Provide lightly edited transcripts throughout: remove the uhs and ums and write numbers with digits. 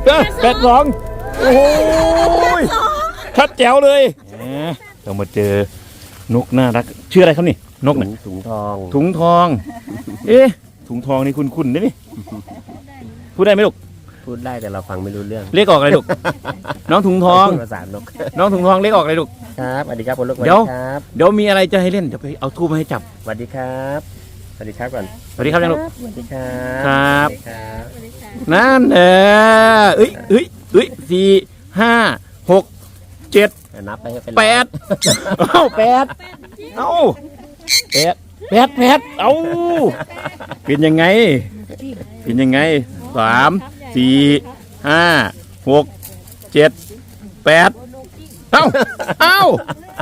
82โอ้ยชัดแจ๋วเลยเรามาเจอนกน่ารักชื่ออะไรครับนี่นกเนี่ยถุงทองถุงทองถุงทองนี่คุ้นๆนี่พูดได้ไหมลูกพูดได้แต่เราฟังไม่รู้เรื่องเลขออกอะไรลูกน้องถุงทองภาษานกน้องถุงทองเลขออกอะไรลูกครับสวัสดีครับคุณลูกเดี๋ยวมีอะไรจะให้เล่นเดี๋ยวไปเอาทูบมาให้จับสวัสดีครับสวัสดีครับก่อนสวัสดีครับยังลูกสวัสดีครับครับนั่น4 5 6 7 นับไปให้เป็น 8เอ้า8เอ้า8เอ้าเป็นยังไง3 4 5 6 7 8เอ้า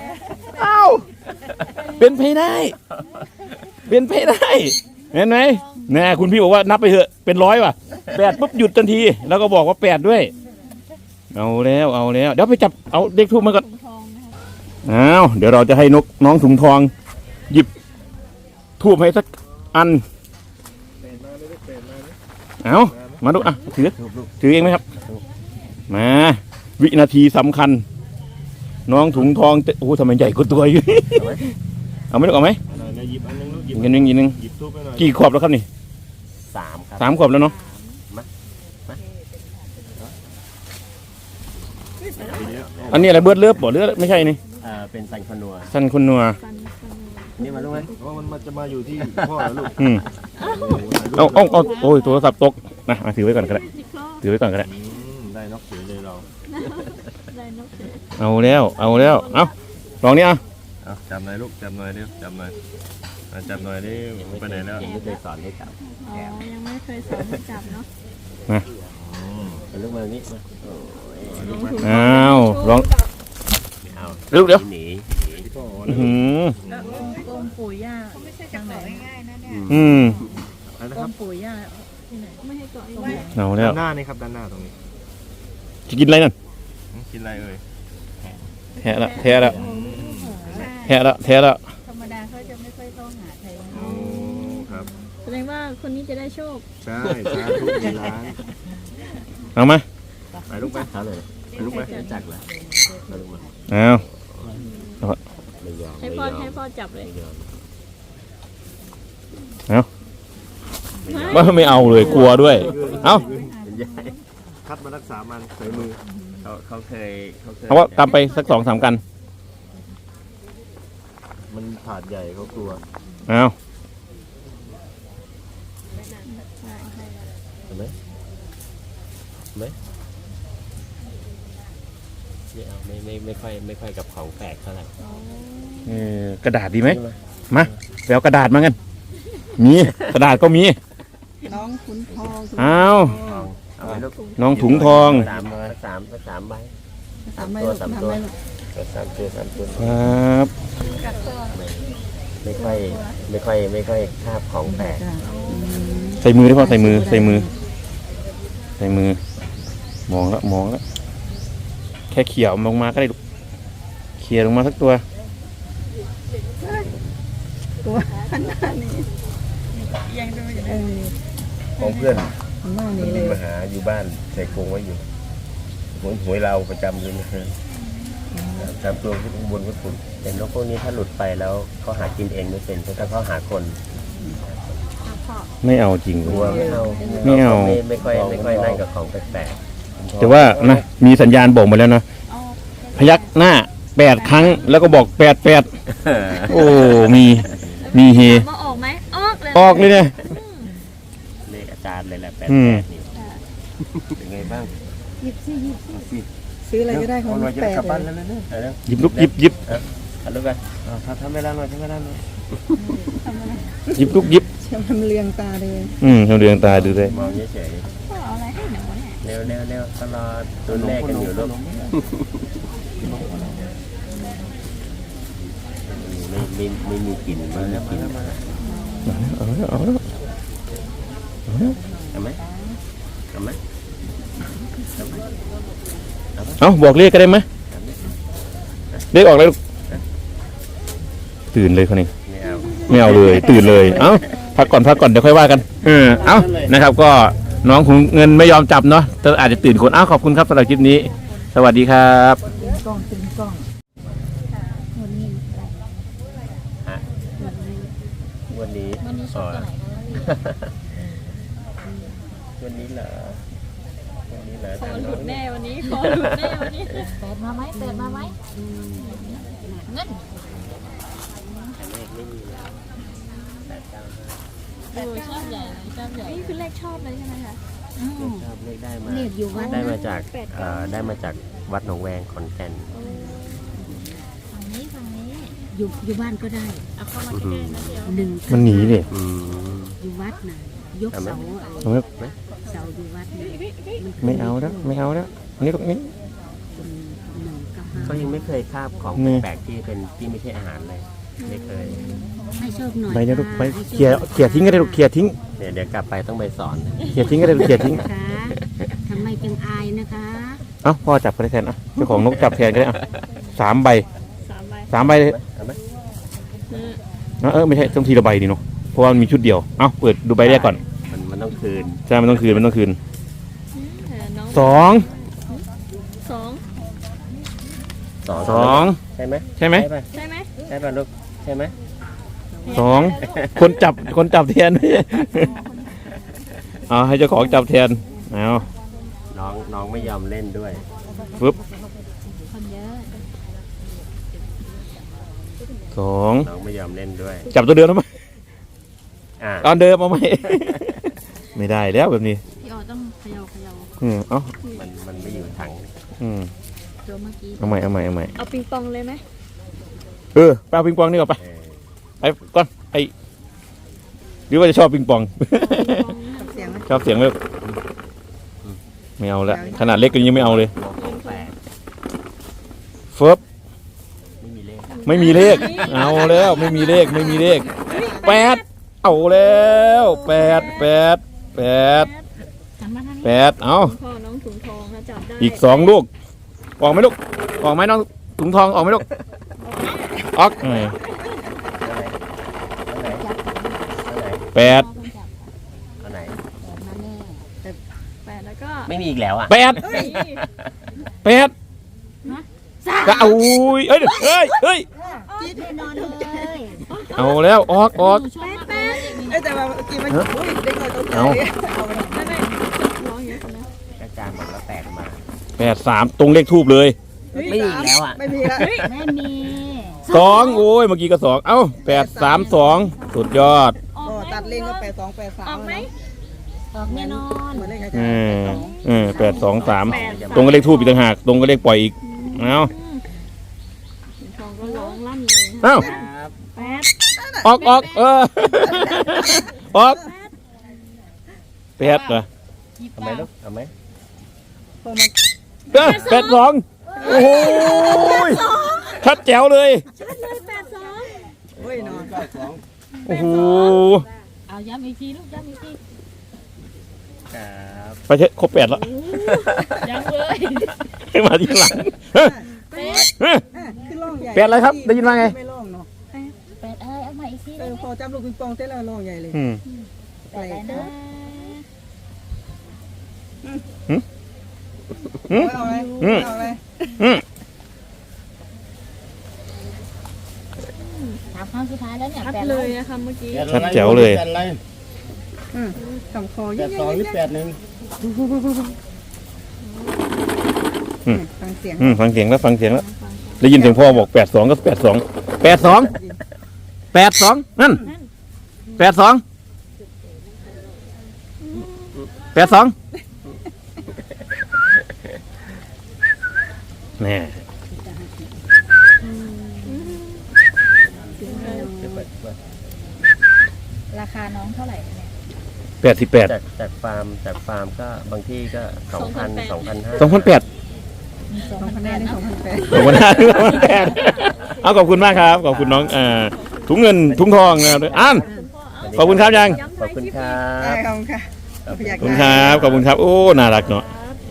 เป็นไปได้เห็นไหมเนี่ยคุณพี่บอกว่านับไปเถอะเป็น100ว่ะ8ปุ๊บหยุดทันทีแล้วก็บอกว่า8ด้วยเอาแล้วเดี๋ยวไปจับเอาเด็กทูบมาก่อนเดี๋ยวเราจะให้น้องถุงทองหยิบทูบให้สักอันมาดูถือเองไหมครับมาวินาทีสำคัญน้องถุงทองโอ้ทำไมใหญ่กว่าตัวอยู่เอาไหมลูกเอาไหมหยิบอันนึงหยิบนึงกี่ขวบแล้วครับนี่3 ขวบแล้วเนาะอันนี้อะไรเบิร์ดเลือบบ่เลือดไม่ใช่นี่เป็นซันคนัวนี่มาลูกไหมเพราะมันจะมาอยู่ที่พ่อลูกเอาโอ้ยโทรศัพท์ตกนะมาถือไว้ก่อนก็ได้ได้นกเสือเลยเราเอาแล้วลองนี่จับหน่อยลูกจับหน่อยเร็วจับหน่อยไปไหนแล้วยังไม่เคยสอนให้จับยังไม่เคยสอนให้จับเนาะลูกมานี่ลองลูกเดี๋ยวกรมปู่ย่าไม่ใช่จังไหนง่ายๆนะเนี่ยกรมปู่ย่าที่ไหนไม่ให้เกาะเอาแล้วด้านหน้านี่ครับด้านหน้าตรงนี้จะกินอะไรนั่นกินอะไรเอ่ยแทะแล้วธรรมดาเขาจะไม่ค่อยเข้าหาใครครับแสดงว่าคนนี้จะได้โชคใช่สาธุล้านเอามาไปลูกไปลูกไปจักเลยลูกมาให้พ่อจับเลยไม่เอาเลยกลัวด้วยคัดมารักษามันใส่มือเขาเคยเพราะว่าตามไปสัก2-3กันมันถาดใหญ่เขากลัวเห็นไหมไม่ค่อยกับของแปลกเท่าไหร่กระดาษดีไหมมาแล้วกระดาษมากันมีกระดาษก็มีน้องถุงทองน้องถุงทอง 3 ใบตัว 3 ตัวครับไม่ค่อยคาบของแปลกใส่มือได้ป่ะใส่มือมองแล้วแค่เขี่ยลงมาก็ได้เขี่ยลงมาสักตัวขนาดนี้ยังดูอยู่ของเพื่อนมาหาอยู่บ้านใส่กรงไว้อยู่หวยเราประจำเลยนะตามตัวขึ้นบนก็ถูกแต่นกพวกนี้ถ้าหลุดไปแล้วเขาหากินเองไม่เป็นถ้าเขาหาคนไม่เอาจริงไม่เอาไม่ค่อยนั่งกับของแปลกแต่ว่านะมีสัญญาณบอกมาแล้วนะพยักหน้า8 ครั้งแล้วก็บอก88โอ้มีเฮมาออกไหมออกเลยเนี่ยเลขอาจารย์เลยแหละ88นี่เป็นไงบ้างหยิบซื้ออะไรก็ได้ของ8 เลยหยิบลูกหยิบลูกไปทำเวลาหน่อยหยิบลูกหยิบทำเรียงตาเลยทำเรียงตาดูเลยมองเฉยเอาอะไรให้หนูเนี่ยเร็วตลอดตัวแรกกันอยู่ลูกไม่มีกลิ่นมาแล้วเอาไหมบอกเลขก็ได้ไหมเลขออกเลยตื่นเลยคนนี้ไม่เอาเลยตื่นเลยพักก่อนเดี๋ยวค่อยว่ากันนะครับก็น้องของเงินไม่ยอมจับเนาะแต่อาจจะตื่นคนอ้าวขอบคุณครับสำหรับคลิปนี้ สวัสดีครับกล้องเป็นกล้องฮะวันนี้อ๋อวันนี้เหรอวันนี้เหรอขอหลุดแน่วันนี้ขอหลุดแน่วันนี้เปิดมาไหมเปิดมาไหมเงินไม่มีแล้ว895 โอ้ชอบใหญ่เลยชอบใหญ่นี่คือเลขชอบเลยใช่ไหมคะชอบเลขได้มาเลขอยู่วัดได้นะมาจากได้มาจากวัดหนองแวงขอนแก่นฝั่งนี้ฝั่งนี้อยู่บ้านก็ได้เอาเข้ามาใกล้ๆนะเดียวหนึ่งมันหนีเลยอืมอยู่วัดน่ะยกเสาเอาไหมเสาอยู่วัดน่ะไม่เอาแล้วไม่เอาแล้วอันนี้ตรงนี้เป็นหนึ่งกับก็ห้ายังไม่เคยคาบของนี่แปลกๆที่ไม่ใช่อาหารเลยไม่เคยให้โชคหน่อยใบนี้ลูกค่ะไปให้โชเขี่ยทิ้งก็ได้ลูกเขี่ยทิ้งเดี๋ยวกลับไปต้องไปสอนเขี่ยทิ้งก็ได้ลูกเขี่ยทิ้งนะคะทำไมจึงอายนะคะเอ้าพ่อจับก็ได้แทนอ่ะเจ้าของนกจับแทนก็ได้อ่ะ3 ใบ 3 ใบ 3 ใบเลยเอาไหมไม่ใช่ต้องทีละใบนี่เนาะเพราะว่ามันมีชุดเดียวเอ้าเปิดดูใบแรกก่อนมันต้องคืนใช่มันต้องคืนมันต้องคืนน้อง 2 2 2 ใช่ไหมใช่ไหมป่ะใช่ไหมใช่ป่ะลูกใช่ไหม 2คนจับแทน เอาให้เจ้าของจับแทนเอาน้องไม่ยอมเล่นด้วยปึ๊บคนเยอะ 2 น้องไม่ยอมเล่นด้วยจับตัวเดิมทำไมอ่าตอนเดิมเอาไหม ไม่ได้แล้วแบบนี้พี่ออต้องเขย่าเอ้ามันไม่อยู่ถังตัวเมื่อกี้เอาใหม่เอาปิงปองเลยไหมไปเอาปิงปองนี่ก่อนไปเออไปก่อนหรือว่าจะชอบปิงปองเสียงชอบเสียงไหมไม่เอาแล้วขนาดเล็กก็ยังไม่เอาเลยโลกแปลกเฟิร์บไม่มีเลขไม่มีเลข เอาแล้วไม่มีเลข8เอาแล้ว8 หันมาทางนี้เอาพ่อน้องถุงทองนะจับได้อีก2 ลูกออกไหมลูกออกไหมน้องถุงทองออกไหมลูกออกอันไหนอันไหน 8 พ่อคนจับอันไหนมาแน่ 8แล้วก็ไม่มีอีกแล้วอ่ะเฮ้ยก็เอาอุ้ยเอ้ยแน่นอนเลยเอาแล้วออกหนูชอบมากเลยแต่ว่าเมื่อกี้มันอุ้ยเด็กหน่อยตกใจเอาไม่ร้องอย่างนี้นะอาจารย์บอกแล้วแปลกมา 83ตรงเลขทูบเลยไม่มีอีกแล้วอ่ะไม่มีละไม่มี 2โอ้ยเมื่อกี้ก็2เอ้า832สุดยอดออกตัดเลขก็8283 ออกไหมออกแน่นอนเหมือนเลขอาจารอืย์ม823ตรงกับเลขทูบอีกต่างหากตรงกับเลขปล่อยอีกเอาถุงทองก็ร้องลั่นเลยเอ้าครับ 8 ออกออก8เหรอเอาไหมลูกเอาไหม 82โอ้โหชัดแจ๋วเลยเฮ้ยนอนโอ้โหเอาย้ำอีกทีลูกย้ำอีกทีครับไปเถอะครบ8แล้วยังเลยมาทีหลังขึ้นร่องใหญ่ 8อะไรครับได้ยินว่าไงไม่ร่องเนาะแปดเอามาอีกทีพอจับลูกปิงปองเต้นแล้วร่องใหญ่เลยแปดอะไรนะเอาไหมเอาไหมถามครั้งสุดท้ายแล้วเนี่ยชัดแปดเลยนะคะเมื่อกี้ชัดแจ๋วเลยสองคอ 82หรือ81 ฟังเสียงฟังเสียงแล้วได้ยินเสียงพ่อบอก82ก็82นั่น82แน่ราคาน้องเท่าไหร่เนี่ย 88 จากฟาร์มก็บางที่ก็2,000 2,500 2008 2,500 2,800 2008เอาขอบคุณมากครับขอบคุณน้องถุงเงินถุงทองนะครับขอบคุณครับยังขอบคุณครับได้ขอบคุณค่ะขอบคุณครับขอบคุณครับโอ้น่ารักเนาะ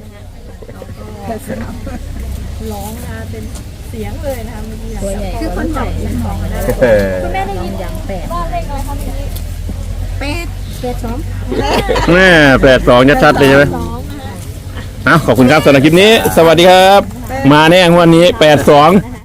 ร้องนะเป็นเสียงเลยนะคะเมื่อกี้ตัวใหญ่คือคนจับปิงปองนะเออคุณแม่ได้ยินอย่างแปดว่าเลขอะไรคะเมื่อกี้ 8 แม่82ชัดๆเลยใช่ไหมขอบคุณครับสำหรับคลิปนี้ สวัสดีครับ มาแน่งวันนี้82